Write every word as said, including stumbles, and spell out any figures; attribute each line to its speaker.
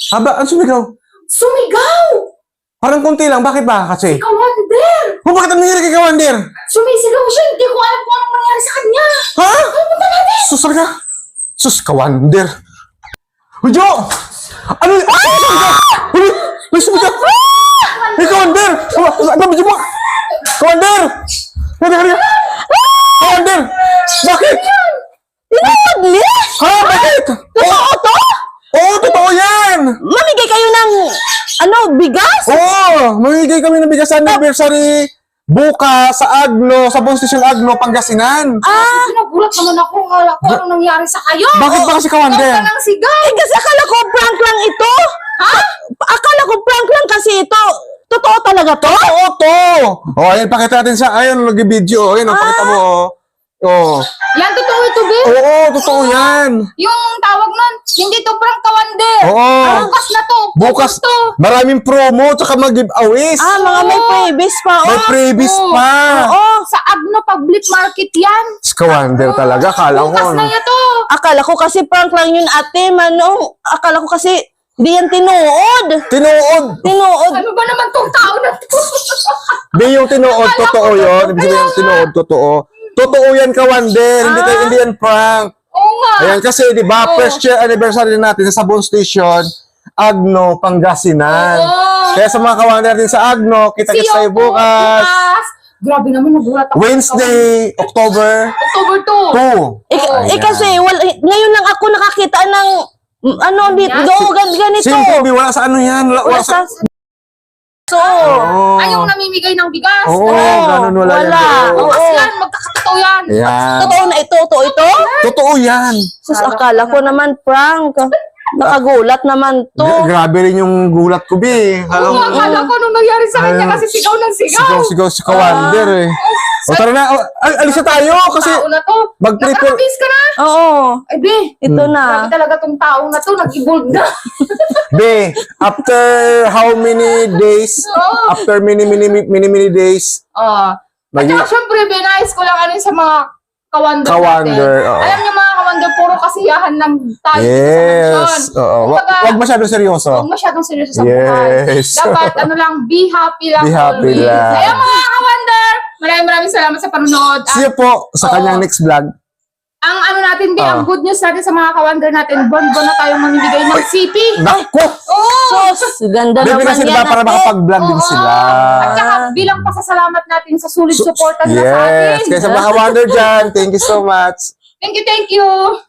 Speaker 1: Haba, ang sumigaw.
Speaker 2: Sumigaw!
Speaker 1: Parang konti lang. Bakit ba? Kasi?
Speaker 2: Kawander!
Speaker 1: Oh, bakit ang nangyari kay Kawander?
Speaker 2: Sumisigaw siya. Hindi ko alam kung anong nangyari sa kanya.
Speaker 1: Ha?
Speaker 2: Ano punta natin?
Speaker 1: Sus, ka? Sus, Kawander. Hujo! Ano? Ano sumigaw? Ano? Ano sumigaw? Hey, Kawander! Ano ba mo? Kawander! Ano ka niya? Kawander! Bakit?
Speaker 3: Tinood ni?
Speaker 1: Ha? Bakit?
Speaker 3: Totoo to?
Speaker 1: Oo, totoo yan!
Speaker 3: Mamigay kayo ng, ano, bigas?
Speaker 1: Oo! Mamigay kami ng bigas sa anniversary bukas sa Agno, sa Bone Station Agno, Pangasinan.
Speaker 2: Ah! Nagulat naman ako. Hala ko anong nangyari sa kayo.
Speaker 1: Bakit ba kasi Kawander?
Speaker 2: Huwag ka ng sigaw.
Speaker 3: Eh, kasi akala ko prank lang ito.
Speaker 2: Ha?
Speaker 3: Akala ko prank lang kasi ito. Totoo talaga to?
Speaker 1: Oo, to! O, ayun, pakita natin sa, ayun, nag-video. Ayun, oh, pakita mo, oh. Oh.
Speaker 2: Yan, totoo ito, Bill.
Speaker 1: Oo, totoo yan.
Speaker 2: Yung tawag nun, hindi to prank Kawander.
Speaker 1: Oo.
Speaker 2: Bukas na to.
Speaker 1: Bukas,
Speaker 2: to.
Speaker 1: maraming promo, tsaka mag-giveaways.
Speaker 3: Ah, mga may freebies pa, oh.
Speaker 1: May freebies
Speaker 2: Oo.
Speaker 1: pa.
Speaker 2: Oo, sa Agno Public Market yan.
Speaker 1: Kawander talaga, kala ko.
Speaker 2: Bukas na yan to.
Speaker 3: Akala ko kasi prank lang yun, ate, Manong. Akala ko kasi di yan tinuod.
Speaker 1: Tinuod.
Speaker 3: Tinuod.
Speaker 2: Ano ba naman tong tao na to?
Speaker 1: Di yung tinuod,
Speaker 2: Akala
Speaker 1: totoo
Speaker 2: ko
Speaker 1: yun.
Speaker 2: totoo.
Speaker 1: Ibig sabihin,
Speaker 2: Kaya
Speaker 1: tinuod, totoo. Totoo yan, Kawander. Hindi, tayo,
Speaker 3: Ah.
Speaker 1: hindi yan prank.
Speaker 2: Oo nga.
Speaker 1: Ayan, kasi, di ba,
Speaker 2: Oo.
Speaker 1: first year anniversary natin sa Sabon Station, Agno, Pangasinan.
Speaker 2: Oo.
Speaker 1: Kaya sa mga Kawander din sa Agno, kita-kits
Speaker 2: See you
Speaker 1: tayo
Speaker 2: po,
Speaker 1: bukas.
Speaker 2: Grabe naman, nagulat ako.
Speaker 1: Wednesday, October
Speaker 2: October two.
Speaker 1: two.
Speaker 3: Eh,
Speaker 2: Oo.
Speaker 3: eh kasi, wala, ngayon lang ako nakakita ng, mm, ano, dito,
Speaker 2: Yan.
Speaker 3: do, gan- ganito.
Speaker 1: Simple, wala sa ano yan. Wala,
Speaker 3: Wala
Speaker 1: wala sa...
Speaker 3: sa... So,
Speaker 1: Oo.
Speaker 2: Ay, yung namimigay ng bigas.
Speaker 1: Oo, ganun, wala,
Speaker 3: wala.
Speaker 1: yan. doon.
Speaker 2: Bukas
Speaker 3: Oo.
Speaker 2: yan, magkakatotoo yan.
Speaker 1: Yan.
Speaker 3: totoo na ito, totoo ito?
Speaker 1: Totoo yan.
Speaker 3: Sus, akala ko naman prank. Nakagulat naman to.
Speaker 1: Grabe rin yung gulat ko, Bi.
Speaker 2: Oo
Speaker 1: Alam
Speaker 2: nga,
Speaker 1: mo,
Speaker 2: akala ko nung nangyari sa kanya
Speaker 1: Ay.
Speaker 2: kasi sigaw ng sigaw.
Speaker 1: sigaw, sigaw, si Kawander eh. O tara na, o, al- alis na tayo kasi
Speaker 2: Tao na to.
Speaker 1: mag-prepare.
Speaker 2: Nakakabis ka na.
Speaker 3: Oo,
Speaker 2: Ay, be.
Speaker 3: ito
Speaker 1: Hmm.
Speaker 2: Grabe
Speaker 3: na.
Speaker 2: talaga tong taong na to. Nag-evolve na.
Speaker 1: Be, after how many days,
Speaker 2: Oo.
Speaker 1: after many, many, many, many days,
Speaker 2: Ah. At
Speaker 1: Magi-
Speaker 2: saka, syempre, be, nais ko lang ano sa mga kawander,
Speaker 1: Kawander,
Speaker 2: natin.
Speaker 1: oo.
Speaker 2: Alam niyo mga kawander, puro kasiyahan lang tayo sa mansyon.
Speaker 1: yes, oo. Wa-
Speaker 2: Kumbaga,
Speaker 1: Wag masyadong seryoso.
Speaker 2: Huwag masyadong seryoso sa
Speaker 1: Yes.
Speaker 2: buhay. Dapat, ano lang, be happy lang.
Speaker 1: Be happy
Speaker 2: always.
Speaker 1: lang.
Speaker 2: Kaya mga kawander, maraming maraming salamat sa panonood. At
Speaker 1: See you po sa
Speaker 2: Oo.
Speaker 1: kanyang next vlog.
Speaker 2: ang ano natin, be,
Speaker 1: Ah.
Speaker 2: ang good news natin sa mga kawander natin, bon-bon na tayong mamimigay ng C P.
Speaker 1: Naku!
Speaker 2: Oo!
Speaker 3: Sus, ganda
Speaker 1: Baby
Speaker 3: naman
Speaker 1: kasi
Speaker 3: yan,
Speaker 1: diba para
Speaker 3: ate.
Speaker 1: makapag-vlog din
Speaker 2: Oo.
Speaker 1: sila.
Speaker 2: At saka bilang pasasalamat natin sa sulit
Speaker 1: So-
Speaker 2: suporta nila sa
Speaker 1: Yes.
Speaker 2: atin.
Speaker 1: Kaya sa mga Wonder dyan, thank you so much.
Speaker 2: Thank you, thank you.